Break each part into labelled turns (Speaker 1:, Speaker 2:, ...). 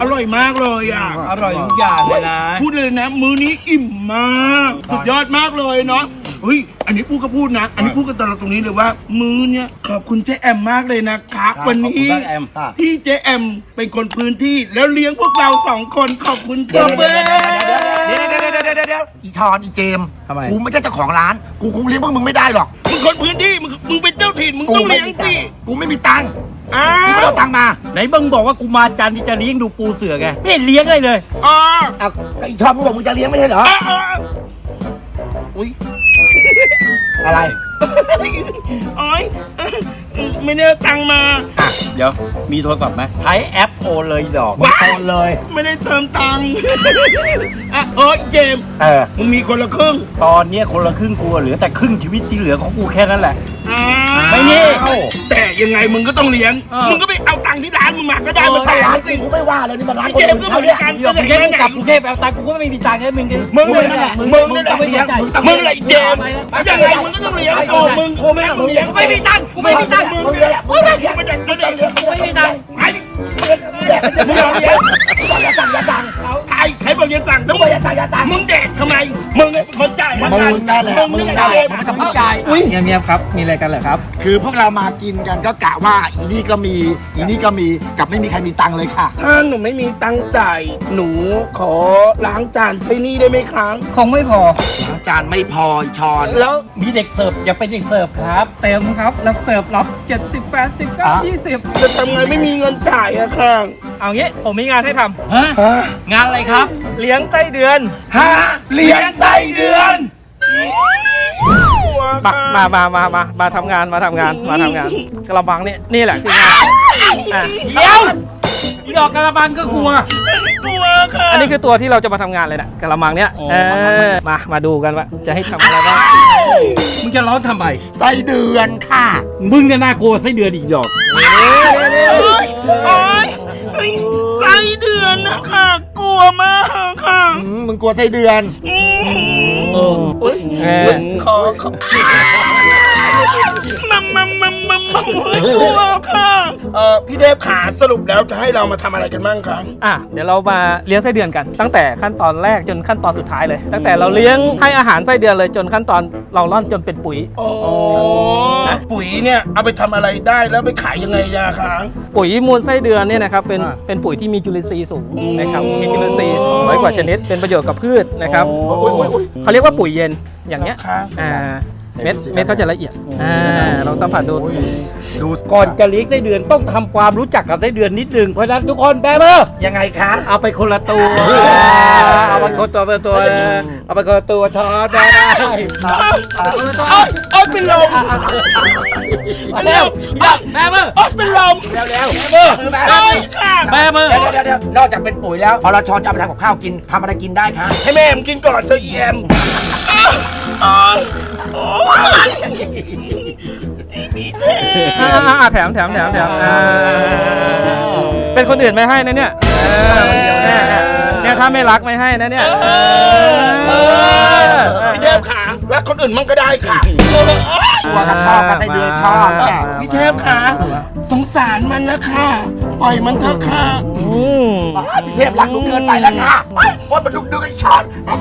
Speaker 1: ร่อยมากเลยอ่ะ
Speaker 2: อร่อยทุกอย่างเลยนะ
Speaker 1: พูดเลยนะมื้อนี้อิ่มมากสุดยอดมากเลยเนาะเฮ้ยอันนี้พูดก็พูดนะ อันนี้พูดกันตลอดตรงนี้เลยว่า มื้อเนี้ยขอบคุณเจ๊แอมมากเลยนะครับวันนี้
Speaker 2: ขอบคุณครับแอม
Speaker 1: ที่เจ๊แอมเป็นคนพื้นที่แล้วเลี้ยงพวกเรา2 คนขอบคุณครับ
Speaker 3: เดี๋ยวอีชอนอีเจม
Speaker 2: ทำไม
Speaker 3: กูไม่ใช่เจ้าของร้าน กูคงเลี้ยงพวกมึงไม่ได้หรอก
Speaker 1: มึงคนพื้นที่มึงเป็นเจ้าถิ่นมึงต้องเลี้ยงสิ
Speaker 3: กูไม่มีตังค์
Speaker 1: อ้า
Speaker 3: กูไม่
Speaker 1: ว
Speaker 3: เอาตังค์มา
Speaker 2: ไหนมึงบอกว่ากูมาจันทร์ที่จะเลี้ยงดูปูเสือไงไม่เห็นเลี้ยงเลย
Speaker 1: อ๋อ
Speaker 3: เอาอีชอนมึงบอกมึงจะเลี้ยงไม่ใช่เหรอ
Speaker 1: อุ้ย
Speaker 3: อะไร
Speaker 1: โอ้ยไม่ได้เอาตังค์มา
Speaker 2: เดี๋ยวมีโทรศัพท์ไหมใช้แอปโอเลยดอก
Speaker 3: มึงโอนเลย
Speaker 1: ไม่ได้เติมตังค์อ่ะโอ้ยเจมส์ มึงมีคนละครึ่ง
Speaker 2: ตอนเนี้ยคนละครึ่งกูเหลือแต่ครึ่งชีวิตที่เหลือของกูแค่นั้นแหละ
Speaker 1: อ่า
Speaker 2: ไม่มี
Speaker 1: แต่ยังไงมึงก็ต้องเลี้ยง มึงก็ไปเอาตังค์ที่ร้านมึงมาก็ได้มา
Speaker 3: ถ้า
Speaker 1: ขาย
Speaker 3: ร้าน
Speaker 1: สิ
Speaker 3: กูไม่ว่าเลยนี่มันร้าน
Speaker 1: ไอ้
Speaker 3: คน
Speaker 1: เจม
Speaker 3: อื่
Speaker 1: ส์
Speaker 3: น
Speaker 1: ก็เหมือน
Speaker 3: เขาเนี่ย
Speaker 1: กัน
Speaker 2: เดี๋ยวกรุงเทพกูกลับกรุงเทพไปเอาตังค์กูก็ไม่มีตังค์เลยมึง
Speaker 1: มึงเลยนะมึงเลยนะ
Speaker 2: ต้องไม่เลี้ยง
Speaker 1: มึงเลยเจมส์ยังไงมึงก็ต้องเลี้ยงโอ้มึงกูไม่มึงเลี้ยง
Speaker 2: ไม่มีตังค์กูไม่มีตังค์
Speaker 1: มึงเลี้ยงมึงเลี้ยงไม่ได้ก็ได้มึงไม่มีตังค์ไอ้มึงเลี้ยง
Speaker 3: อย่าสั่งอย่าสั่ง
Speaker 1: ใครบอกอย่าสั่งต้อง
Speaker 3: อย่าสั่งอย่าสั่ง
Speaker 1: มึงแดกทำไมมึงเป็นคนจ่าย
Speaker 3: มึงนั่นแหละมึงนั่นแหละมึงไม่ต้องพูด
Speaker 2: จ่าย
Speaker 1: อุ้ย
Speaker 4: เงียบๆครับ มีอะไรกันเหรอครับ
Speaker 3: คือพวกเรามากินกันก็กะว่าอีนี่ก็มีอีนี่ก็มีกับไม่มีใครมีตังค์เลยค่ะ
Speaker 1: ถ้าหนูไม่มีตังค์จ่ายหนูขอล้างจานใช้หนี่ได้ไหมครับ
Speaker 2: คงไม่พอ
Speaker 3: ล้างจานไม่พออีชอน
Speaker 1: แล้ว
Speaker 2: มีเด็กเสิร์ฟอย่าเป็นเด็กเสิร์ฟครับ
Speaker 4: เต็มครับ แล้วเสิร์ฟรับ70 80 90
Speaker 1: จะทำไงไม่มีเงินจ่ายอะค่ะ
Speaker 4: เอางี้ผมมีงานให้ท
Speaker 2: ฮะ งานอะไรครับ
Speaker 4: ำเลี้ยงไส้เดือน
Speaker 1: ฮะเลี้ยงไส้เดือน
Speaker 4: มาทำงานกระบังนี่แหละคืองานอ่ะ
Speaker 2: เดี๋ยวอีดอกกระบังก็กลัว
Speaker 1: กลัวค่ะ
Speaker 4: อันนี้คือตัวที่เราจะมาทำงานเลยนะกระมังเนี้ย
Speaker 2: อ๋อ
Speaker 4: มาดูกันว่าจะให้ทำอะไรบ้าง
Speaker 2: มึงจะร้องทำไม
Speaker 3: ไส้เดือนค่ะ
Speaker 2: มึงเนี่ยน่ากลัวไส้เดือนอีกดอก
Speaker 1: โอ๊ยไส้เดือนนะคะกลัวมากค่ะ
Speaker 3: มึงกลัวไส้เดือน
Speaker 1: อุ๊ยขอกลัวค่ะพี่เทพขาสรุปแล้วจะให้เรามาทำอะไรกันบ้างครับ
Speaker 4: เดี๋ยวเรามาเลี้ยงไส้เดือนกัน ตั้งแต่ขั้นตอนแรกจนขั้นตอนสุดท้ายเลย ตั้งแต่เราเลี้ยงให้อาหารไส้เดือนเลยจนขั้นตอนเราร่อนจนเป็นปุ๋ย
Speaker 1: ปุ๋ยเนี่ยเอาไปทำอะไรได้แล้วไปขายยังไงยาคะ
Speaker 4: ปุ๋ยมูลไส้เดือนเนี่ยนะครับเป็นปุ๋ยที่มีจุลินทรีย์สูงนะครับมีจุลินทรีย์200 กว่าชนิดเป็นประโยชน์กับพืชนะครับ เขาเรียกว่าปุ๋ยเย็นอย่างเงี้ย
Speaker 1: ค่ะ
Speaker 4: เม็ดเขาจะละเอียดลองสัมผัสดู
Speaker 2: ดูก่อนจะเลี้ยงไส้เดือนต้องทำความรู้จักกับไส้เดือนนิดนึงเพราะฉะนั้นทุกคนแบมือ
Speaker 3: ยังไงคะ
Speaker 2: เอาไปคนละตัว เอาไปคนตัวเอาไปคนละตัวช้อนได้
Speaker 1: เอาเป็นลม
Speaker 2: เร็วแบมือ
Speaker 1: เป็นลม
Speaker 3: เร็ว
Speaker 2: แบมือ
Speaker 1: ค่ะ
Speaker 2: แบมือ
Speaker 3: เดี๋ยวนอกจากเป็นปุ๋ยแล้วพอเราชอนจะเอาไปทำกับข้าวกินทำอะไรกินได้คะ
Speaker 1: ให้แม่มกินก่อนเธอเยี่ยม
Speaker 4: แถมเป็นคนอื่นไม่ให้นะเนี่ยถ้าไม่รักไม่ให้นะเนี่ย
Speaker 1: พี่เทพขารักคนอื่นมั่งก็ได้ค่ะ
Speaker 3: ว่าก็ชอบก็ไส้เดือนชอบเนี่ย
Speaker 1: พี่เทพขาสงสารมันนะค่ะปล่อยมันเถอะค่ะ
Speaker 3: พี่เทพรักหนูเกินไปแล้วค่ะว่ามันดูไอ้ชอน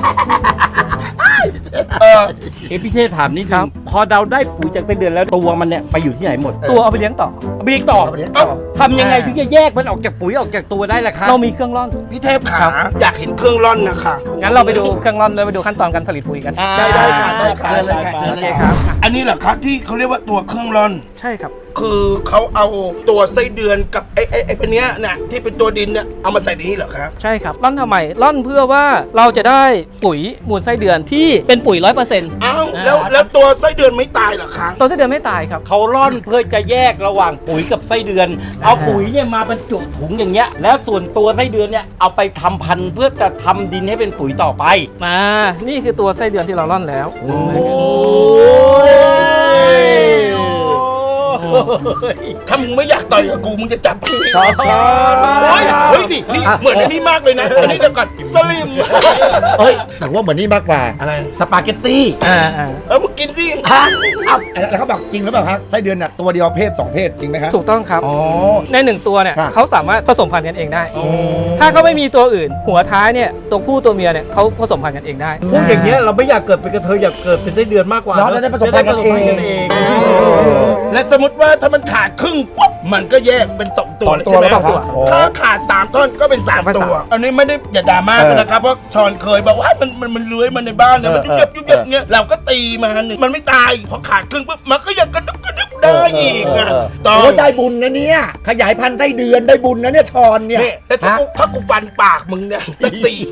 Speaker 2: เอพี่เทพถามนิดนึงพอเราได้ปุ๋ยจากไส้เดือนแล้วตัวมันเนี่ยไปอยู่ที่ไหนหมด
Speaker 4: ตัวเอาไปเลี้ยงต่อ
Speaker 2: เอาไปเลี้ยงต่อทำยังไงถึงจะแยกมันออกจากปุ๋ยออกจากตัวได้ล่ะครับ
Speaker 4: เรามีเครื่องร่อน
Speaker 1: พี่เทพขาอยากเห็นเครื่องร่อนนะคะ
Speaker 4: งั้นเราไปดูเครื่องร่อนเลยไปดูขั้นตอนการผลิตปุ๋ยกัน
Speaker 1: ได้ค่ะได้ค่ะ
Speaker 3: เชิญเลยค่ะเชิญ
Speaker 4: โอ
Speaker 3: เล
Speaker 4: เค
Speaker 3: ย
Speaker 4: ครับ
Speaker 1: อันนี้เหรอครับที่เขาเรียกว่าตัวเครื่องร่อน
Speaker 4: ใช่ครับ
Speaker 1: คือเขาเอาตัวไส้เดือนกับไอ้พวกเนี้ยน่ะที่เป็นตัวดินเนี่ยเอามาใส่ในนี้เหรอครับ
Speaker 4: ใช่ครับร่อนทำไมร่อนเพื่อว่าเราจะได้ปุ๋ยมูลไส้เดือนที่เป็นปุ๋ย 100%
Speaker 1: อ้าวแล้วตัวไส้เดือนไม่ตายเหรอคะ
Speaker 4: ตัวไส้เดือนไม่ตายครับ
Speaker 2: เขาร่อนเพื่อจะแยกระหว่างปุ๋ยกับไส้เดือน เอาปุ๋ยเนี่ยมาบรรจุถุงอย่างเงี้ยแล้วส่วนตัวไส้เดือนเนี่ยเอาไปทำพันธุ์เพื่อจะทำดินให้เป็นปุ๋ยต่อไป
Speaker 4: นี่คือตัวไส้เดือนที่เราร่อนแล้ว
Speaker 2: โอ้
Speaker 1: ถ้ามึงไม่อยากต่อยกับกูมึงจะจับ
Speaker 3: ชอบ
Speaker 1: เฮ้ยนี่เหมือนอันนี้มากเลยนะอันนี้เดี๋ยวก่อนสลิม
Speaker 3: เอ้ยแต่ว่าเหมือนนี่มากกว่า
Speaker 1: อะไร
Speaker 3: สปาเกตตี้
Speaker 1: มึงกินสิ
Speaker 3: ฮะเอ้าแล้วเขาบอกจริงหรือเปล่าครับไส้เดือนน่ะตัวเดียวเพศ2เพศจริงไหมครับ
Speaker 4: ถูกต้องครับ
Speaker 3: อ๋อ
Speaker 4: ใน1ตัวเนี่ย
Speaker 3: ครับ
Speaker 4: เขาสามารถผสมพันธุ์กันเองได้ ถ้าเขาไม่มีตัวอื่น หัวท้ายเนี่ยตัวผู้ตัวเมียเนี่ยเขาผสมพันธุ์กันเองได้
Speaker 2: พวกอย่างเงี้ยเราไม่อยากเกิดเป็นกระเทยอยากเกิดเป็นไส้เดือนมากกว่า
Speaker 3: เราจะได้ผสมพันธุ์กันเอง
Speaker 1: และสมมติว่าถ้ามันขาดครึ่งปุ๊บมันก็แยกเป็น2ตัวเลย
Speaker 3: ตัว
Speaker 1: ใช่ไหม
Speaker 3: แล้วครับโอ้
Speaker 1: ถ้าขาด3ท่อนก็เป็น3ตัว อันนี้ไม่ได้อย่าดราม่ากันนะครับเพราะชอนเคยบอกว่ามันเลื้อยมาในบ้านเนี่ยมันยุบยับเงี้ยเราก็ตีมันไม่ตายพอขาดครึ่งปุ๊บมันก็ยังกระดึบได้อีกอ่ะตอน
Speaker 3: โอ้ได้บุญนะเนี่ยขยายพันธุ์ไส้เดือนได้บุญนะเนี่ยชอนเนี่ย
Speaker 1: นี่แล้วถ้ากูฟันปากมึงเนี่ยสัก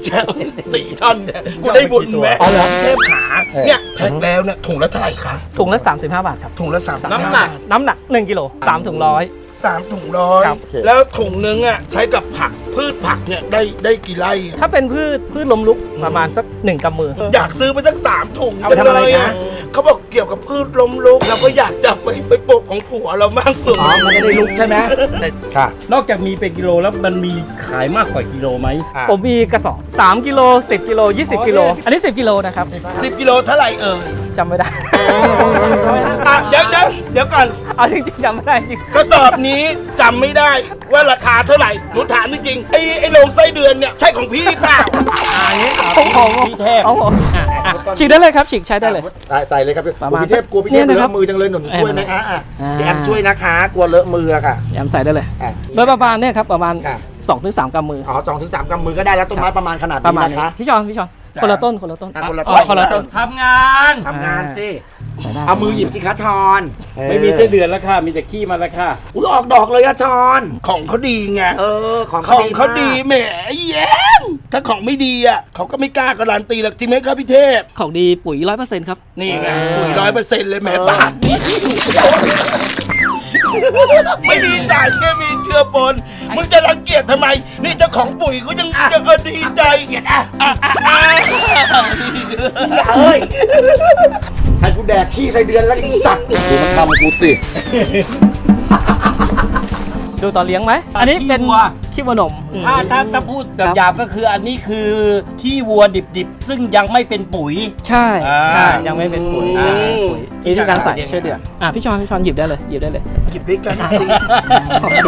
Speaker 1: 4ท่อนเนี่ยกูได้บุญไหม
Speaker 3: อ๋อเหรอ
Speaker 1: เทพขาเนี่ยแพ็คแล้วเนี่ยถุงละเท่าไหร่คะ
Speaker 4: ถุงละ35 บาทครับ
Speaker 1: ถุงละ3
Speaker 2: น้ำหนัก
Speaker 4: น้ำหนัก1กิโล3ถุง100
Speaker 1: 3ถุงร้อย
Speaker 4: ครับ
Speaker 1: แล้วถุงนึงอ่ะใช้กับผักพืชผักเนี่ยได้กี่ไร่อะ
Speaker 4: ถ้าเป็นพืชล้มลุกประมาณสัก1 กำมือ
Speaker 1: อยากซื้อไปสัก3ถุง
Speaker 3: เอาไปทำอะไร
Speaker 1: จังเลย
Speaker 3: คะ
Speaker 1: เขาบอกเกี่ยวกับพืชล้มลุกเราก็อยากจะไปปลูกของผัวเราบ้างเผื่อ
Speaker 3: อ๋อมันจะได้ลุกใช่ไหมค่ะ
Speaker 2: นอกจากมีเป็นกิโลแล้วมันมีขายมากกว่ากิโลไหม
Speaker 4: ผมมีกระสอบ3กิโล10กิโล20กิโลอันนี้10กิโลนะครับ
Speaker 1: 10 กิโลเท่าไหร่เอ่ย
Speaker 4: จำไม่ได้
Speaker 1: อ่ะเดี๋ยวก่อน
Speaker 4: เอาจริงๆจำไม่ได้จริง
Speaker 1: กระสอบนี้จำไม่ได้ว่าราคาเท่าไหร่หนูถามจริงๆไอ้โรงไส้เดือนเนี่ยใช่ของพี่เปล่า
Speaker 4: ผม
Speaker 2: พี่เทพ
Speaker 4: เอาผมฉีกได้เลยครับฉีกใช้ได้เลย
Speaker 3: ใส่เลยครับพี่
Speaker 4: ประมาณ
Speaker 3: พี่เทพกลัวพี่เทพ
Speaker 4: เนี่ย
Speaker 3: เล
Speaker 4: นะครับ
Speaker 3: อะมือจังเลยหนูช่วยไหมคะอ่ะ
Speaker 4: อ่า
Speaker 3: พี่แอมช่วยนะคะกลัวเลอะมืออะค่ะ
Speaker 4: แอมใส่ได้เลย
Speaker 3: อ่ะ
Speaker 4: โดยประมาณเนี่ยครับประมาณ
Speaker 3: ค่ะ
Speaker 4: 2-3 กำมือ
Speaker 3: อ๋อ2-3กำมือก็ได้แล้วต้นไม้ประมาณขนาด
Speaker 4: ประ
Speaker 3: นี้
Speaker 4: มาณ
Speaker 3: นะ
Speaker 4: นี้
Speaker 3: คะ
Speaker 4: พี่ชอนคนละต้น
Speaker 3: อ่ะคนละ
Speaker 4: อ๋อคนละต้น
Speaker 2: ทำงาน
Speaker 3: ทำงานสิ
Speaker 4: ใส่ได้
Speaker 3: เอามือหยิบสิคะชอน
Speaker 2: ไม่มีไส้เดือนแล้วค่ะมีแต่ขี้มาแล้วค่ะ
Speaker 3: อุ้ยออกดอกเลยอะชอน
Speaker 1: ของเขาดีไง
Speaker 3: ของ
Speaker 1: ของเขาดี
Speaker 3: มาก
Speaker 1: แหมแย้มถ้าของไม่ดีอ่ะเขาก็ไม่กล้าการันตีหรอกจริงไหมครับพี่เทพ
Speaker 4: ของดีปุ๋ย 100%ครับ
Speaker 1: นี่ไงปุ๋ย100%เลยแหมบาทนี่ไม่มีสารเคมีเชื้อปนมึงจะรังเกียจทำไม นี่เจ้าของปุ๋ยเขายังดีใจเกียดอ่ะ
Speaker 3: เอ้ยให้กูแดกขี้ไส้เดือนแล้วไอีสัตว์ดูมันทำกูสิ
Speaker 4: ดูตอนเลี้ยงไหมอันนี้เป็นขี้วัวนม
Speaker 2: ถ้าพูดแบบหยาบก็คืออันนี้คือขี้วัวดิบๆ ซึ่งยังไม่เป็นปุ๋ย
Speaker 4: ใช่
Speaker 2: อ่า
Speaker 4: ใช่ยังไม่เป็นปุ๋ย
Speaker 2: อืม
Speaker 4: ปุ๋ยวิธีการใส่ช่วยเดือดพี่ชอนหยิบได้เลยหยิบได้เลย
Speaker 1: หยิบด้วยกันสิ
Speaker 4: โอเค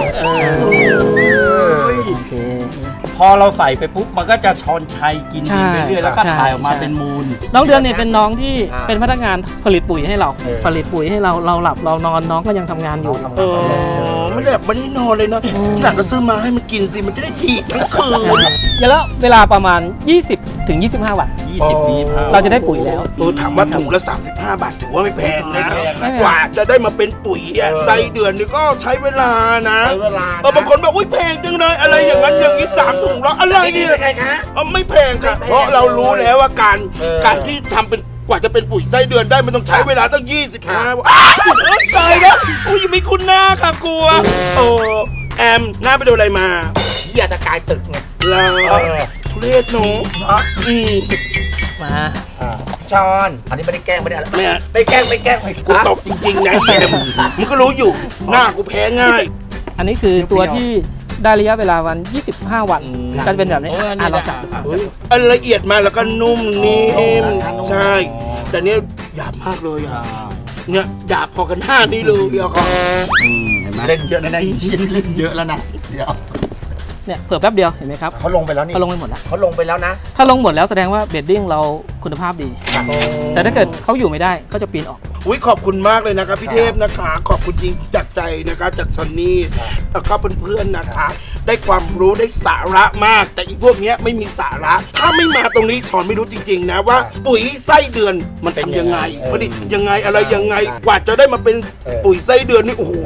Speaker 4: โอเค
Speaker 2: พอเราใส่ไปปุ๊บมันก็จะชอนชัยกิน
Speaker 4: ใช่
Speaker 2: ไปเรื่อยๆแล้วก็
Speaker 4: ใช่
Speaker 2: ถ่ายออกมา
Speaker 4: ใช่
Speaker 2: เป็นมูล
Speaker 4: น้องเดือนเนี่ยเป็นน้องที่เป็นพนักงานผลิตปุ๋ยให้เรา ผลิตปุ๋ยให้เราหลับเรานอนน้องก็ยังทำงานอยู่
Speaker 1: ไม่ได้แบบไม่ได้นอนเลยเนาะที่หลังก็ซื้อมาให้มันกินสิมันจะได้ดีทั้งคืน
Speaker 4: แล้วเวลาประมาณ 20 ถึง 25 วัน
Speaker 2: 20 ปีพา
Speaker 4: เราจะได้ปุ๋ยแล้ว
Speaker 1: ถามว่าถุงละ35 บาทถือว่าไม่แพงนะ
Speaker 4: ไม่แพง
Speaker 1: กว่าจะได้มาเป็นปุ๋ยอะไส้เดือนนี่ก็ใช้เวลานะ
Speaker 3: ใช้เวลานะ
Speaker 1: บางคนบอกอุ้ยแพงจังเลยอะไรอย่างนั้นอย่างนี้3 ถุงละอะไรเนี่ย
Speaker 3: ไงคะ
Speaker 1: ไม่แพงค่ะเพราะเรารู้แล้วว่าการที่ทำเป็นกว่าจะเป็นปุ๋ยไส้เดือนได้มันต้องใช้เวลาตั้ง25วันตายแล้วอุ้ยยังไม่คุ้นหน้าค่ะกลัวโอ้แอมหน้าไปโดนอะไรมา
Speaker 3: เหี้ยจะกลายตึกไง
Speaker 1: เราทุเรศหนูอืม
Speaker 4: มา
Speaker 3: ชอน อันนี้ไม่ได้แกล้งไม่ได้อะไร
Speaker 1: เนี่ย
Speaker 3: ไม่แกล้งไม่แกล้ง
Speaker 1: กูตบจริงๆนะแอมมึงก็รู้อยู่หน้ากูแพ้ง่าย
Speaker 4: อันนี้คือตัวที่ได้ระยะเวลาวัน 25 วันก็จะเป็นแบบนี้
Speaker 2: โอ้อันนี้
Speaker 4: เราจับ
Speaker 2: ได้
Speaker 1: อันละเอียดมาแล้วก็นุ่มนิ่มใช่ แต่เนี้ยหยาบมากเลยอ่ะเนี่ยหยาบพอกันหน้านี่เลยอ่ะครับ
Speaker 2: เห็นไหม
Speaker 3: เล่นเยอะนะเล่นเยอะแล้วนะเดี๋ยว
Speaker 4: เนี่ยเผื่อแป๊บเดียวเห็นไหมครับ
Speaker 3: เขาลงไปแล้วนี่
Speaker 4: เขาลงไปหมดแล้ว
Speaker 3: เขาลงไปแล้วนะ
Speaker 4: ถ้าลงหมดแล้วแสดงว่าเบดดิ้งเราคุณภาพดี แต่ถ้าเกิดเขาอยู่ไม่ได้เขาจะปีนออก
Speaker 1: อุ้ยขอบคุณมากเลยนะครับพี่เทพนะคะขอบคุณจริงจากใจนะคะจากซันนี่แล้วก็เพื่อนๆนะคะ ได้ความรู้ได้สาระมาก แต่อีกพวกเนี้ยไม่มีสาระ ถ้าไม่มาตรงนี้ชอนไม่รู้จริงๆนะว่า ปุ๋ยไส้เดือนมันทำยังไงผลิตยังไงอะไรยังไงกว่าจะได้มาเป็นปุ๋ยไส้เดือนนี่โอ้โห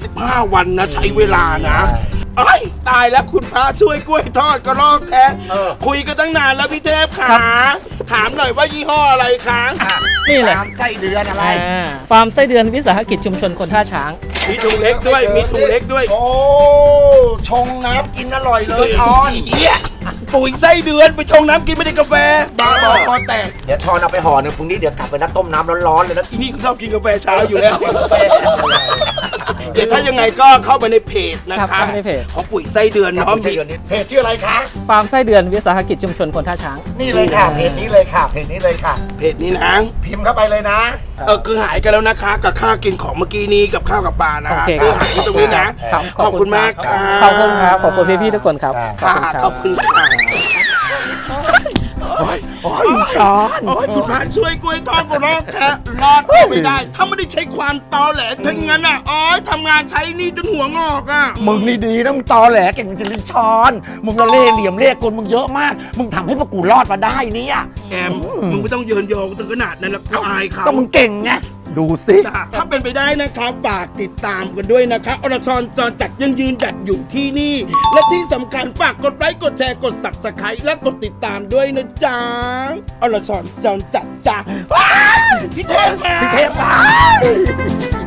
Speaker 1: 25 วันนะใช้เวลานะไอ้ยตายแล้วคุณพระช่วยกล้วยทอดก็รอกแท้คุยกันตั้งนานแล้วพี่เทพขาถามหน่อยว่ายี่ห้ออะไรคะ
Speaker 4: นี่เลย
Speaker 3: ตามไส้เดือนอะไร
Speaker 4: ฟาร์มไส้เดือนวิสาหกิจชุมชนคนท่าช้าง
Speaker 1: มีถุงเล็กด้วยมีถุงเล็กด้วย
Speaker 3: โอ้ชงน้ำกินอร่อยเลยชอน
Speaker 1: เหี้ยปุ๋ยไส้เดือนไปชงน้ำกินไม่ได้กาแฟบ้าบอคอแตก
Speaker 3: เดี๋ยวชอนเอาไปห่อหนึ่งพรุ่งนี้เดี๋ยวกลับไปนัดต้มน้ำร้อนๆเลยนะ
Speaker 1: อีนี่ก็ชอบกินกาแฟเช้าอยู่แล้วเดี๋ยวถ้ายังไงก็เข้าไปในเพจนะ
Speaker 4: ครั
Speaker 1: คะ
Speaker 4: บเข้าไปในเพจ
Speaker 1: ของปุ๋ยไส้เดือนเนาะมี
Speaker 3: เพจชื่ออะไรคะ
Speaker 4: ฟาร์มไส้เดือนวิสาหกิจชุมชนคนท่าช้าง
Speaker 3: นี่เลยค่ะ เพจนี้เลยค่ะ เพจนี้เลยค่ะ
Speaker 1: เพจนี้นะ
Speaker 3: พิมพ์เข้าไปเลยนะ
Speaker 1: คือหายกันแล้วนะคะ กับค่ากินของเมื่อกี้นี้กับข้าวกับปลานะ
Speaker 4: โอเค
Speaker 1: คือหายที่ตรงนี้นะครับ ขอบคุณมากค่ะ
Speaker 4: ขอบคุณครับ ขอบคุณพี่ๆทุกคนครับ
Speaker 1: ค่ะ
Speaker 4: รั
Speaker 1: ขอบคุณค่ะโอ้ยช้อนโอ้ยคุณพระช่วยกล้วยทอดของเราแค่รอดไม่ได้ ถ้าไม่ได้ใช้ความตอแหลทั้งนั้นอ่ะอ๋อทำงานใช้หนี่จนหัวงอกอ่ะ
Speaker 3: มึงนี่ดีนะมึงตอแหลเก่งจริงๆช้อน มึงละเล่เหลี่ยมเล่กลมึงเยอะมาก มึงทำให้พวกกูรอดมาได้เนี่ย
Speaker 1: แอมมึงไม่ต้องเยินยอถึงขนาดนั้นแล้วอายเขา
Speaker 3: ก็มึงเก่งไง ดูสิ
Speaker 1: ถ้าเป็นไปได้นะครับฝากติดตามกันด้วยนะคะอรชรจรจัดยังยืนจัดอยู่ที่นี่ และที่สำคัญฝากกดไลค์กดแชร์กด Subscribe และกดติดตามด้วยนะจ๊ะอรชรจรจัดจ้าพี่เทพมา
Speaker 3: พี่เทพมา